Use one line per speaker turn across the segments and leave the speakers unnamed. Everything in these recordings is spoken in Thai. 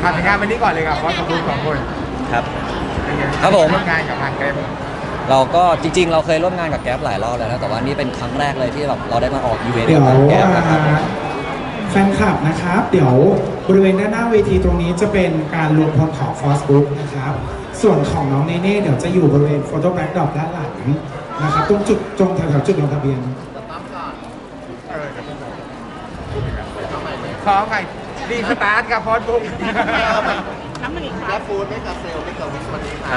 ทำงานวันนี้ก่อนเลยครับเพราะคุณสองคน
ครับ
เป็นไง
ครับผม
ร่วมงานกับทางแกร็บ
เราก็จริงๆเราเคยร่วมงานกับแก๊ปหลายรอบแล้วนะแต่ว่านี่เป็นครั้งแรกเลยที่แบบเราได้มาออกอีเวนต์
เดี๋ยว
กับแก๊ปนะครับ
แฟนคลับนะครับ เดี๋ยวบริเวณด้านหน้าเวทีตรงนี้จะเป็นการรวมพลของ Force Group นะครับ ส่วนของน้องเนเน่เดี๋ยวจะอยู่บริเวณ Photo Backdrop ด้านหลังนะครับตรงจุดตรงแถวๆจุดลงทะเบียน
ขอไงดีสตาร์ทกับพอดบุ๊ก
และฟูดไม่กับเซลล์ไม่กับวิสวันนี้
ครับ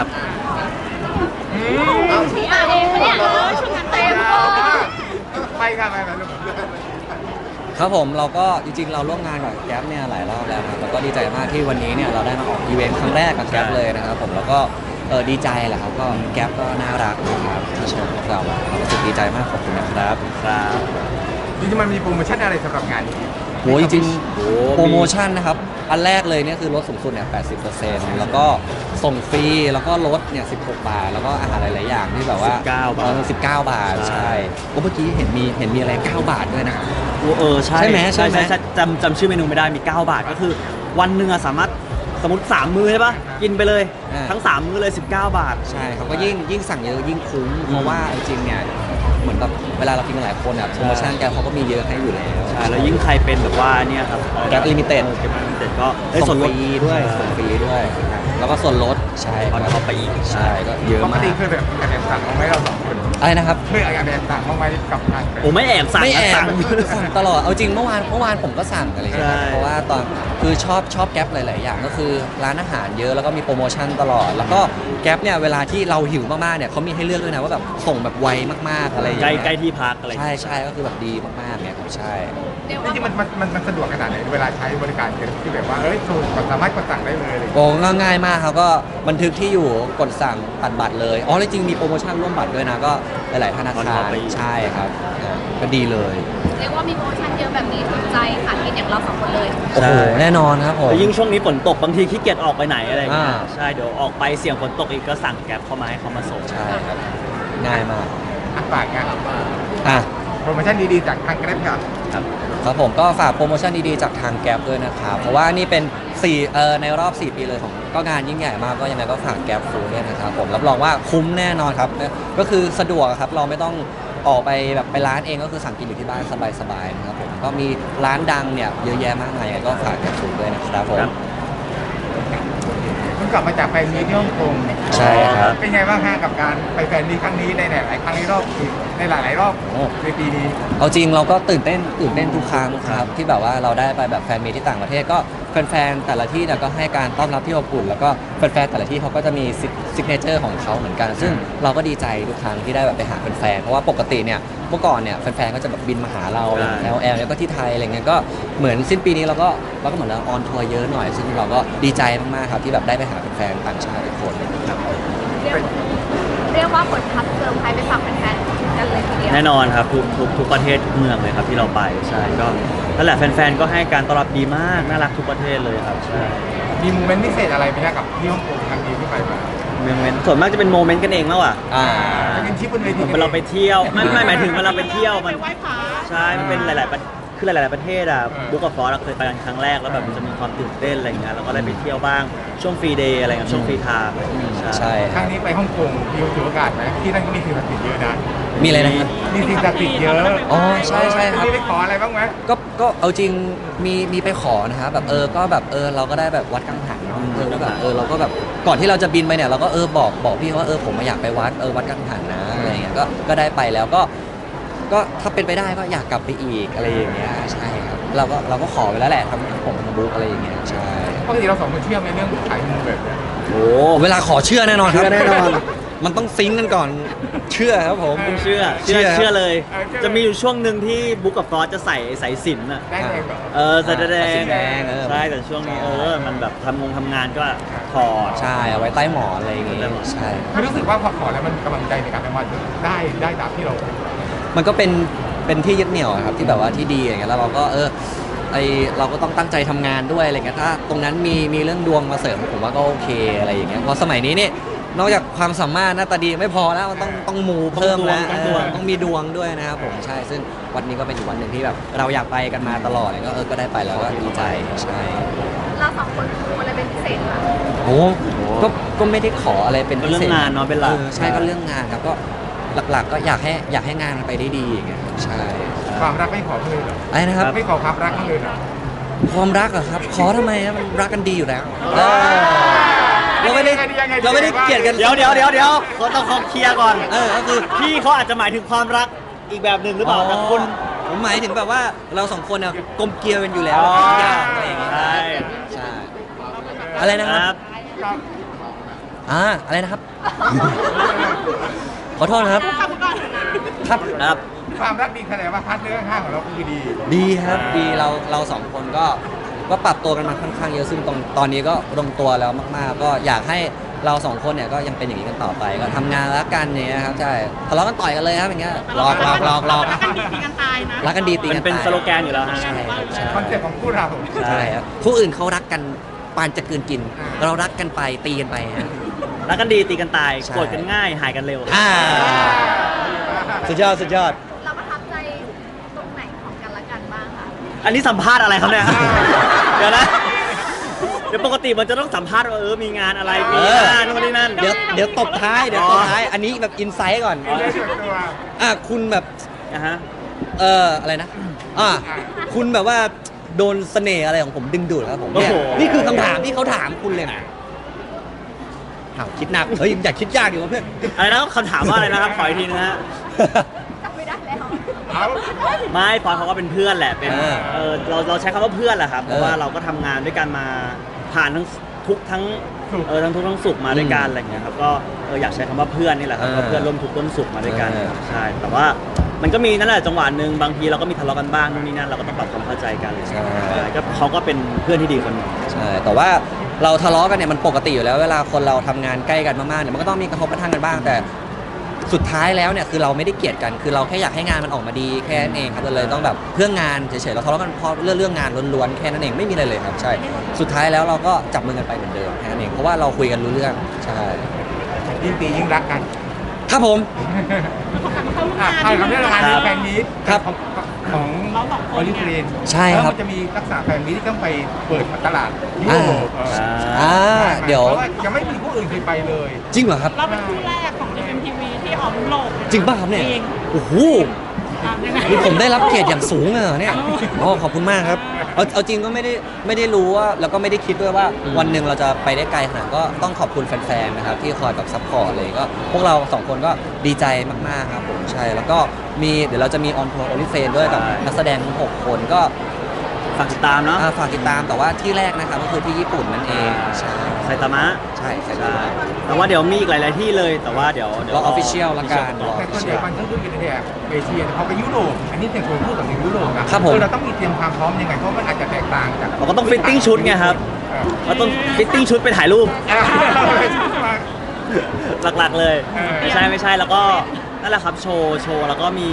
ชีอาเองเนี่ยชุดงานเต็ม
ไปค่ะไปลูก
ครับผมเราก็จริงๆเราร่วมงานกับแก๊ปเนี่ยหลายรอบแล้วนะครับแล้วก็ดีใจมากที่วันนี้เนี่ยเราได้มาออกอีเวนต์ครั้งแรกกับแก๊ปเลยนะครับผมแล้วก็ดีใจแหละครับก็แก๊ปก็น่ารักนะครับที่เชิญพวกเราเรารู้สึกดีใจมากขอบคุณนะครับ
ครับ
จริงๆมันมีโปรโมชั่นอะไรสำหรับงานนี้
โหจริงๆโปรโมชั่นนะครับอันแรกเลยเนี่ยคือลดสูงสุดเนี่ย 80% แล้วก็ส่งฟรีแล้วก็ลดเนี่ย16 บาท แล้วก็อาหารหลายๆอย่างที่แบบว่า
19 บาท
19 บาทใช่โอ้เมื่อกี้เห็นมีอะไร 9 บาทด้วยนะ
ใช่
ใช่ไหมใช่ไหม
จำชื่อเมนูไม่ได้มี 9 บาทก็คือวันหนึ่งอะสามารถสมมติ 3 มื้อใช่ปะกินไปเลย ทั้ง 3 มื้อเลย 19 บาท
ใช่เขาก็ยิ่งสั่งเยอะยิ่งคุ้มเพราะว่าจริงๆเนี่ยเหมือนแบบเวลาเรากินกันหลายคนอ่ะโปรโมชั่นแกเขาก็มีเยอะให้อยู่แล้ว
ใช่ แล้วยิ่งใครเป็นแบบว่าเนี่ยครับ
Gap Limited
แกร็บลิมิเต็ดก็ได้
ส่
ส่
ง
วน
ฟ
ลด
รีด้วยส่งฟรีด้วยแล้วก็ส่วนลดใช่
on top ไปอีก
ใช่ก็เยอะ
ปก
มาก
ติเคยแบบแอบสั่งบ้างไหมเราสองคน
อะไรนะครับ
เคยแอบสั่งบ้างไหมกับทางแกร็บ
โอ้ไม่แอบสั่ง
ไม่แอบ
สั่ง
สั่งตลอดเอาจริงเมื่อวานผมก็สั่งอะไรอย่างเงี้ยครับ
ใช่
เพราะว่าตอนคือชอบแก๊ปหลายๆอย่างก็คือร้านอาหารเยอะแล้วก็มีโปรโมชั่นตลอด แล้วก็แก๊ปเนี่ยเวลาที่เราหิวมากๆเนี่ยเขามีให้เลือกด้วยนะว่าแบบส่งแบบไวมากๆอะไรอย่าง
ใกล้
เงี้ย
ใกล้ที่พักอะไรอย่าง
ใช่
เงี้ย
ใช่ก็คือแบบดีมากๆเนี่ยครับใช่
จริงๆมันสะดวกขนาดไหนเวลาใช้บริการแกร็บที่แบบว่าถูกสามารถกดสั่งได้เลยอะไรอย่างเงี้ย
โอ้ง่ายมากครับก็บันทึกที่อยู่กดสั่งตัดบัตรเลยอ๋อจริงๆมีโปรโมชั่นร่วมบัตรด้วยนะก็หลายๆธนาคารใช่ครับก็ดีเลย
เรียกว่ามีโปรโมชั่นเยอะแบบนี้ถูกใจค่ะคิดอย่างเราสองคนเลย
โอ้โหแน่นอนครับผม
แล้วยิ่งช่วงนี้ฝนตกบางทีขี้เกียจออกไปไหนอะไรอย่างเงี้ย
อ่า
ใช่เดี๋ยวออกไปเสี่ยงฝนตกอีกก็สั่งแกร็บเข้ามาให้เขามาส่ง
ใช่ครับง่ายมาก
ฝากงาน
อ่ะ
โปรโมชั่นดีๆจากทางแกร็บครับ
ครับผมก็ฝากโปรโมชั่นดีๆจากทางแก๊ปด้วยนะครับเพราะว่านี่เป็นในรอบ 4 ปีเลยของก็งานยิ่งใหญ่มากก็ยังไงก็ฝากแก๊ปฟูดด้วยนะครับผมรับรองว่าคุ้มแน่นอนครับก็คือสะดวกครับเราไม่ต้องออกไปแบบไปร้านเองก็คือสั่งกินอยู่ที่บ้านสบายๆนะครับผมก็มีร้านดังเนี่ยเยอะแยะมากมายยังไงก็ฝากแก๊ปฟูดด้วยนะครับผม
เพิ่งกลับมาจากแฟนมีตที่ฮ่องกง
ใช่ครับ
เป็นไงบ้างฮะกับการไปแฟนมีตครั้งนี้ในหลายๆครั้งในรอบในหลายๆรอบในปีนี้
เอาจริงเราก็ตื่นเต้นทุกครั้งครับที่แบบว่าเราได้ไปแบบแฟนมีตที่ต่างประเทศก็แฟนๆแต่ละที่เนี่ยก็ให้การต้อนรับที่อบอุ่นแล้วก็แฟนๆแต่ละที่เขาก็จะมีซิกเนเจอร์ของเขาเหมือนกัน ซึ่งเราก็ดีใจทุกครั้งที่ได้แบบไปหาแฟนๆเพราะว่าปกติเนี่ยเมื่อก่อนเนี่ยแฟนๆก็จะแบบบินมาหาเรา
ใช่
แล้วแล้วก็ที่ไทยอะไรเงี้ยก็เหมือนสิ้นปีนี้เราก็เหมือนเราออนทัวร์เยอะหน่อยซึ่งเราก็ดีใจมากๆครับที่แบบได้ไปหาแฟนๆต่างชาติทุกคนครับ
เรียกว่าผลพัดเซอร์ไพรส์ไปฝากแฟนๆกันเลยทีเดียว
แน่นอนครับทุกประเทศทุกเมืองเลยครับที่เราไปใช่ก็นั่นแหละแฟนๆก็ให้การต้อนรับดีมากน่ารักทุกประเทศเลยครับใช่
มีโมเมนต์พิเศษอะไรไหมฮะกับที่ฮ่องกงครั้งนี้ที่ไปมา
โมเมนต์ส่วนมากจะเป็นโมเมนต์กันเองแล้วอ่ะ
จะเป็นชิปบนเวที
เวลาเราไปเที่ยวไม่หมายถึงเวลาเราไปเที่ยวมันใช่มันเป็นหลายๆคือหลายๆประเทศอ่ะบุ๊กกับฟอสเราเคยไปกันครั้งแรกแล้วแบบมันจะมีความตื่นเต้นอะไรอย่างเงี้ยเราก็ได้ไปเที่ยวบ้างช่วงฟรีเดย์อะไรกับช่วงฟรีไทม์อะไรอย่างเงี้ย
ใช่
ครั้งนี้ไปฮ่องกงมีถือโอกาสไหมที่นั่นก็มีสิ่งศักดิ์สิทธิ์เยอะนะ
มีอะไรนะครับ
มีสิ่งศักดิ์สิทธิ์เยอะ
อ๋อใช่ครับ
มีไปขออะไรบ้างไหม
ก็เอาจริงมีไปขอนะครับแบบก็แบบเราก็ได้แบบวัดกังหันเนาะแล้วแบบเราก็แบบก่อนที่เราจะบินไปเนี่ยเราก็บอกพี่เขาว่าผมมาอยากไปวัดกังหันนะอะไรเงี้ยก็ได้ไปแล้วก็ถ้าเป็นไปได้ก็อยากกลับไปอีกอะไรอย่างเงี้ยใช่ครับเราก็ขอไปแล้วแหละทำผมทำบุ๊กอะไรอย่างเงี้ยใช่
ปกติเราสองคนเชื่อในเรื่องขายมูแบบเนี้ย
โอ้เวลาขอเชื่อแน่นอนครับ
เชื่อแน่นอน
มันต้องซิงค์กันก่อนเชื่อครับผม
ผมเชื่อ
เชื่อ
เลย จะมีอยู่ช่วงหนึ่งที่บุ๊กกับฟอสจะใส่สายสิญจน์อ่ะ
ได้เองแบบ
ใส่แด
สี
ง
แดง
ใช่แต่ช่วงนี้มันแบบทำงานก็ถอด
ใช่เอาไว้ใต้หมอนอะไรอย่างเงี้ยใช่
ไม่รู้สึกว่าพอขอแล้วมันกำลังใจในการทำงานได้ตามที่เรา
มันก็เป็นที่ยึดเหนี่ยวอะครับที่แบบว่าที่ดีอย่างเงี้ยแล้วเราก็เราก็ต้องตั้งใจทำงานด้วยอะไรเงี้ยถ้าตรงนั้นมีเรื่องดวงมาเสริมผมว่าก็โอเคอะไรอย่างเงี้ยเพราะสมัยนี้เนี่ยนอกจากความสามารถหน้าตาดีไม่พอแล้วมันต้องมูเพิ่มแล้ว ต้องมีดวงด้วยนะครับผมใช่ซึ่งวันนี้ก็เป็นอีกวันหนึ่งที่แบบเราอยากไปกันมาตลอดเลยก็ได้ไปแล้วก็ดีใจใช่
เราเราสองคนคูอะไรเป็นพิเศษคะ
โอ้ก็ไม่ได้ขออะไรเป็นพิเศษ
ก็เรื่องงานเนาะเป็นหลัก
ใช่ก็เรื่องงานครับก็หลักๆก็อยากให้งานมันไปได้ดีอย่างเงี้ยครับใช่
ความรักไม่ขอเขาเลยเหรอ
อะไรนะครับ
ไม่ขอความรักเขาเลยเหรอ
ความรักเหรอครับ ขอทำไมครับมันรักกันดีอยู่แล้วเราไม่ได้
ยังไง
เราไม่ได้เกลียดกัน
เดี๋ยวเขาต้องเคลียร์ก่อน
ก็คือ
พี่เขาอาจจะหมายถึงความรักอีกแบบหนึ่งหรือเปล่าแต่คุณ
ผมหมายถึงแบบว่าเราสองคนเนี่ยกลมเกลียวกันอยู่แล้ว
อ๋อ
ทุกอย่างอะไรอย่างเงี้ย
ใช่
ใช่อะไรนะ
ค
ค
รั
รั
บบ
อะไรนะครับ ขอโทษนะครับ ครับ
ครับ
ความรักดีแสดงว่าพาร์ทเนอร์ข้างของเราคือดี
ดีครับดีเราสองคนก็ปรับตัวกันมาค่อนข้างเยอะซึ่งตอนนี้ก็ลงตัวแล้วมากๆ ก็อยากให้เราสองคนเนี่ยก็ยังเป็นอย่างนี้กันต่อไปก็ทำงานรักกันเนี่ยครับใช่ทะเลาะกันต่อยกันเลยครับอย่างเงี้ยหลอก
รักกันดีตีกันตายนะ
รักกันดีตี
มั
กัน น
เป็น
ตาย
สโลแกนอยู่แล้วฮะ
ใช่ครับใช่
คอนเซ็ปต์ของคู่เรา
ใช่ครับผู้อื่นเขารักกันปานจะกลืนกิน เรารักกันไปตีกันไปฮะ
รักกันดีตีกันตาย
ใช่
โกรธกันง่ายหายกันเร็ว
สุดยอด
เราประทับใจตรงไหนของกันและกันบ้างคะ
อันนี้สัมภาษณ์อะไรครับเนี่ย เดี๋ยวนะ เดี๋ยวปกติมันจะต้องสัมภาษณ์ว่ามีงานอะไรมีงานนู่นนี่นั่น
เดี๋ยวตบท้ายอันนี้แบบอินไซต์ก่อน
เรื่องส่วนตัว
คุณแบบ
นะฮะ
อะไรนะคุณแบบว่าโดนเสน่ห์อะไรของผมดึงดูดครับผมเนี่ย
โอ้โห
นี่คือคำถามที่เขาถามคุณเลยนะคิดหนักเฮ้ยอยากคิดยากดีวะเพื่อน
อะไรนะคำถามว่าอะไรนะครับ ขออีกทีนะฮะ
จำไม่ได้แล้ว
เอา
ไม่พอเขาก็เป็นเพื่อนแหละ เป็น เราใช้คำว่าเพื่อนแหละครับ เพราะว่า
เออ
เราก็ทำงานด้วยกันมาผ่านทั้งทุกข์ทั้งทั้งทุกข์ทั้งสุขมาด้วยกันอะไรอย่างเงี้ยครับ ก็อยากใช้คำว่าเพื่อนนี่แหละครับก็เพื่อนร่วมทุกข์ร่วมสุขมาด้วยกันครับใช่ แต่ว่ามันก็มีนั่นแหละจังหวะหนึ่งบางทีเราก็มีทะเลาะกันบ้างนู่นนี่นั่นเราก็ต้องปรับความเข้าใจกันก็เขาก็เป็นเพื่อนที่ดีคนหนึ่ง
ใช่แต่ว่าเราทะเลาะกันเนี่ยมันปกติอยู่แล้วเวลาคนเราทำงานใกล้กันมากๆเนี่ยมันก็ต้องมีกระทบกระทั่งกันบ้างแต่สุดท้ายแล้วเนี่ยคือเราไม่ได้เกลียดกันคือเราแค่อยากให้งานมันออกมาดีแค่นั้นเองครับเราเลยต้องแบบเพื่องานเฉยๆเราทะเลาะกันเพราะเรื่องงานล้วนๆแค่นั้นเองไม่มีอะไรเลยครับใช่สุดท้ายแล้วเราก็จับมือกันไปเหมือนเดิมแค่นั้นเองเพราะว่าเราคุยกันรู้เรื่องใช่
ยิ่งตียิ่งรักกัน
ครับผม
ใช่ครับเรื่องงานแฟนมีต
ครับ
ของออลิเฟรน
ใช่ครับ
แล้วมันจะมีลักษณะแฟนมีตที่ต้องไปเปิดตลาดยุโรป
เดี๋ยว
เพราะว่ายังไม่มีผู้อื่นเคยไปเลย
จริงเหรอครับ
เราเป็นคู่แรกของ GMMTV ที่ออกยุโรป
จริงป่ะครับเนี่ย
จริง
โอ้โห
ยังไง
นี่ผมได้รับเกียรติอย่างสูงเลยเหรอเนี่ยอ๋อขอบคุณมากครับเอาจริงก็ไม่ได้รู้ว่าแล้วก็ไม่ได้คิดด้วยว่าวันหนึ่งเราจะไปได้ไกลขนาดก็ต้องขอบคุณแฟนๆนะครับที่คอยแบบซัพพอร์ตเลยก็พวกเราสองคนก็ดีใจมากๆครับผมใช่แล้วก็เดี๋ยวเราจะมีออนทัวร์โอลิเฟนด้วยกับนักแสดงทั้ง6คนก็
ฝากติดตามเนาะ
ฝากติดตามแต่ว่าที่แรกนะครับก็คือที่ญี่ปุ่นนั่นเองใช่
ไซตามะ
ใช่ใช่
ใช่แต่ว่าเดี๋ยวมีอีกหลาย ๆ ที่เลย แต่ว่าเดี๋ยว
รอ official ละกัน
รอ
แต่ส่วนใหญ่มันต้องดูเป็นแถบเอเชียเขาไปยุโรปอันนี้เป็นคนพูดกับในยุโรปนะครับ
ผม
เราต้องมีเตรียมความพร้อมยังไงเพราะมันอาจจะแตกต่างจาก
เราก็ต้องฟิตติ้งชุดไงครับเราต้องฟิตติ้งชุดไปถ่ายรูป หลัก ๆ เลย ไม่ใช่แล้วก็นั่นแหละครับโชว์แล้วก็มี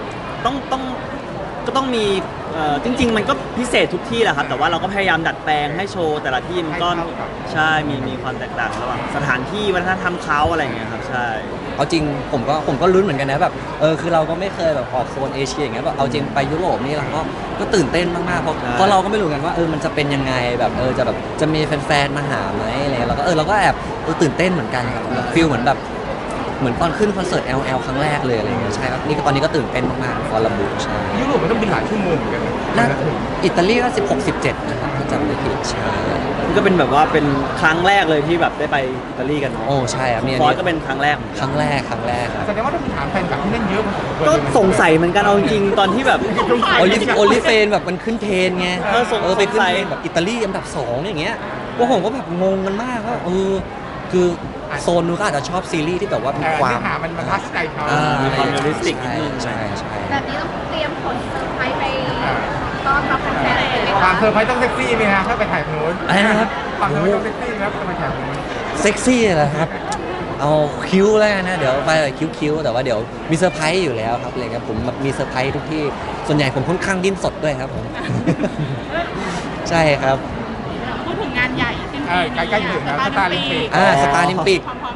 ต้องมีจริง ๆ มันก็พิเศษทุกที่แหละครับ แต่ว่าเราก็พยายามดัดแปลงให้โชว์แต่ละที่มันก็ใช่มีความแตกต่างระหว่างสถานที่วัฒนธรรมเขาอะไรอย่างเงี้ยครับใช่
เอาจริงผมก็ลุ้นเหมือนกันนะแบบคือเราก็ไม่เคยแบบออกโซนเอเชียอย่างเงี้ยแบบเอาจริงไปยุโรปนี่เราก็ตื่นเต้นมากๆเพราะเราก็ไม่รู้กันว่ามันจะเป็นยังไงแบบจะมีแฟนๆมาหาไหมอะไรเงี้ยเราก็แอบตื่นเต้นเหมือนกันครับแบบฟีลเหมือนตอนขึ้นคอนเสิร์ต LL ครั้งแรกเลยอะไรเงี้ยใช่ครับนี่ก็ตอนนี้ก็ตื่นเต้นมากๆฟอร์ลบุใช่
ยุโรปมันต้องบินหลายชั่วโมงเหมือนกันนะ
น่าอิตาลีก็16-17นะครับถ้าจำไม่ผิดใช่
นี่ก็เป็นแบบว่าเป็นครั้งแรกเลยที่แบบได้ไปอิตาลีกันเนาะ
โอ้ใช่ครับเนี่ย
ฟอสก็เป็นครั้งแรกเหมือน
ค
กัน
รั้งแรกครับ
แสดงว่าต้องมีฐานแฟนคลับที่นั่นเยอะพอสมควร
ก็สงสัยเหมือนกันเอาจริงๆตอนที่แบบ
โอลิเฟนแบบมันขึ้นเทรนไง ไปขึ้นเทรนแบบอิตาลีอันดับ2อย่างเงี้ยพวกผมก็แบบงงกันมากว่าคือโซนนู้นก็อาจจะชอบซีรีส์ที่แบบว่ามีความ
เนื้อหามันทัชใจเขา
มีความเรียลลิสติกนิดนึง
ใช่
แบบนี้ต้องเตรียมผลเซอร์ไพรส์ไปต้อนรับแฟนๆเลยไหม
ความ
คะ
เซอร์ไพรส์ต้องเซ็กซี่ไหมฮะถ้าไปถ่ายโน้น
อะไรนะครับ
ความเซอร์ไพรส์ต้องเซ็กซี่ครับถ้าไปถ่ายโน้น
เซ็กซี่เหรอครับ เอาคิ้วแล้วกันนะเดี๋ยวไปแบบคิ้วแต่ว่าเดี๋ยวมีเซอร์ไพรส์อยู่แล้วครับอะไรครับผมมีเซอร์ไพรส์ทุกที่ส่วนใหญ่ผมค่อนข้างดิ้นสดด้วยครับผม ใช่ครับ
พูดถึงงานใหญ่สิ้นปีนี้
ใกล้ๆถึงแล้วสตาร์ลิมปิก
สตาร์ลิมปิก
พร้อมๆยังไง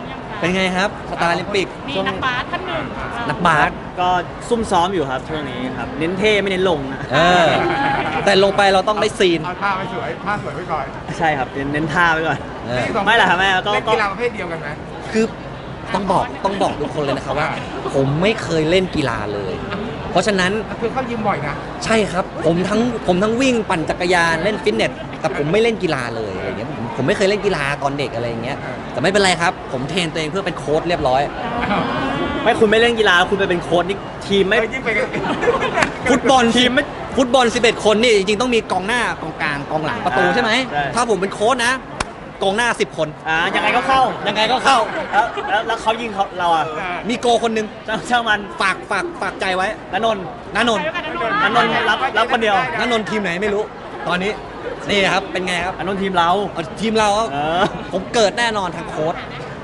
เป็นไงครับสตาร์ลิมปิก
มีนักบาสท่านหนึ่ง
นักบาส
ก็ซุ่มซ้อมอยู่ครับช่วงนี้ครับเน้นเท่ไม่เน้นลงนะ
เออแต่ลงไปเราต้องได้ซีน
เอาท่าไว้สวยท่าสวยไว้ก่อน
ใช่ครับเน้นท่าไว้ก่อน
เออ
นี่สอง
ไม่หรอกครับแม่ก็
เล่นกีฬาประเภทเดียวกันไหม
คือต้องบอกทุกคนเลยนะครับว่า ผมไม่เคยเล่นกีฬาเลย เพราะฉะนั้น
คือเข้ายิมบ่อยนะ
ใช่ครับผมทั้งวิ่งปั่นจักรยานเล่นฟิตเนสแต่ผมไม่เล่นกีฬาเลยอะไรเงี้ยผมไม่เคยเล่นกีฬาตอนเด็กอะไรอย่างเงี้ยแต่ไม่เป็นไรครับ ผมเทรนตัวเองเพื่อเป็นโค้ชเรียบร้อย
ไม่คุณไม่เล่นกีฬาคุณไปเป็นโค้ชนี่ทีมไม่
ยิ่งไปกัน
ฟุตบอลทีมฟุตบอล11 คนนี่จริงๆต้องมีกองหน้ากองกลางกองหลังประตูใช่ไหม
ใช่
ถ้าผมเป็นโค้ชนะกองหน้า10 คน
ยังไงก็เข้า
ยังไงก็เข้า
แล้วเขายิงเราอ่ะ
มีโกคนหนึง
ช่างมัน
ฝากใจไว้
ณนนท์
ณนนท์
ณนนท์รับคนเดียว
ณนนท์ทีมไหนไม่รู้ ตอนนี้นี่ครับเป็นไงครับ
ณนนท์ทีมเรา
เอาทีมเราครับ
เออ
ผมเกิดแน่นอนทางโค้ช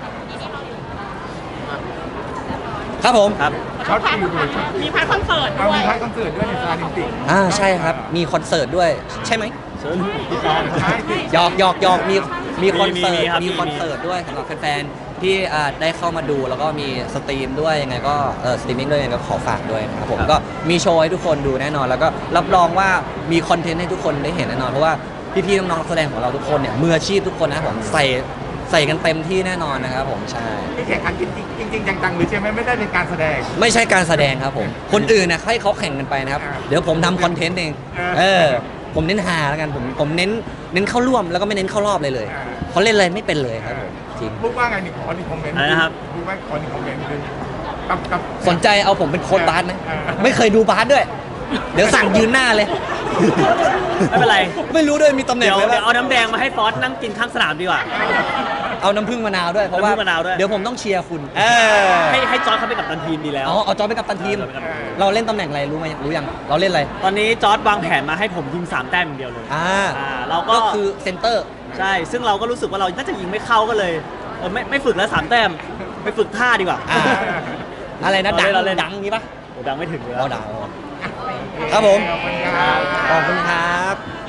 ครับผม
ครับ
ช็อตฟิลด้วย
มีพาร์ทคอนเสิร์ต
เอา
ด้ว
มี
ย
ท้ายคอนเสิร์ตด้วยในสตาร์ลิมปิก
ใช่ครับมีคอนเสิร์ตด้วยใช่ไหม
เชิญพี่ตอง
ใช่สิ
หยอกมีคอนเสิร์ต
มีครับ
มีคอนเสิร์ตด้วยสำหรับแฟนๆที่ได้เข้ามาดูแล้วก็มีสตรีมด้วยยังไงก็สตรีมมิ่งด้วยยังไงก็ขอฝากด้วยนะครับผมก็มีโชว์ให้ทุกคนดูแน่นอน แล้วก็รับรองว่ามีคอนเทนต์ให้ทุกคนได้เห็นแน่นอนเพราะว่าพี่ๆน้องๆนักแสดงของเราทุกคนเนี่ยมืออาชีพทุกคนนะครับผมใส่กันเต็มที่แน่นอนนะครับผมใช่
ที่แข่งขันจริงจังๆหรือใช่ไหมไม่ได้เป็นการแสดง
ไม่ใช่การแสดงครับผมคนอื่นนะให้เขาแข่งกันไปนะครับ
อ่า
เดี๋ยวผมทำคอนเทนต์เอง ผมเน้นหาแล้วกันผมเน้นเข้าร่วมแล้วก็ไม่เน้นเข้ารอบเลยเขาเล่นอะไรไม่เป็นเลยครับผมจริง
พูดว่าไงนี่ขอหนึ่งคอมเมนต์
อะไรนะครับ
พูดว่าขอหนึ่งคอมเมนต์คือกับ
สนใจเอาผมเป็นโค้ชบาสไหม
เออ
ไม่เคยดูบาสด้วย เดี๋ยวสั่งยืนหน้าเลย
ไม่เป็นไร
ไม่รู้ด้วยมีตำแหน่ง
เดี๋ยว
เลย
เอาน้ำแดงมาให้ฟอสนั่งกินข้างสนามดีกว่า
เอาน้ำผึ้งมะนาวด้วยเพราะว่า
น้ำผึ้งมะนาวด้วย
เดี๋ยวผมต้องเชียร์คุณ
ให้จอร์จเขาเป็นกัปตันทีมดีแล้ว
เอาจอยเป็นกัปตันทีม
เอาจอยเป็นกัปตันทีม
เราเล่นตำแหน่งอะไรรู้ไหมรู้ยังเราเล่นอะไร
ตอนนี้จอร์จวางแผนมาให้ผมยิง3 แต้มอย่างเดียวเลย เราก็
ก็คือเซนเตอร์
ใช่ ซึ่งเราก็รู้สึกว่าเราน่าจะยิงไม่เข้าก็เลยไม่ฝึกแล้ว3 แต้มไปฝึกท่าดีกว่า
อะไรนะดัง
เราเล่น
ดังงี้ปะ
โอ้ดังไม่ถึงเลย
เอาดังครับผม
ขอบคุณครับ
ขอบคุณครับ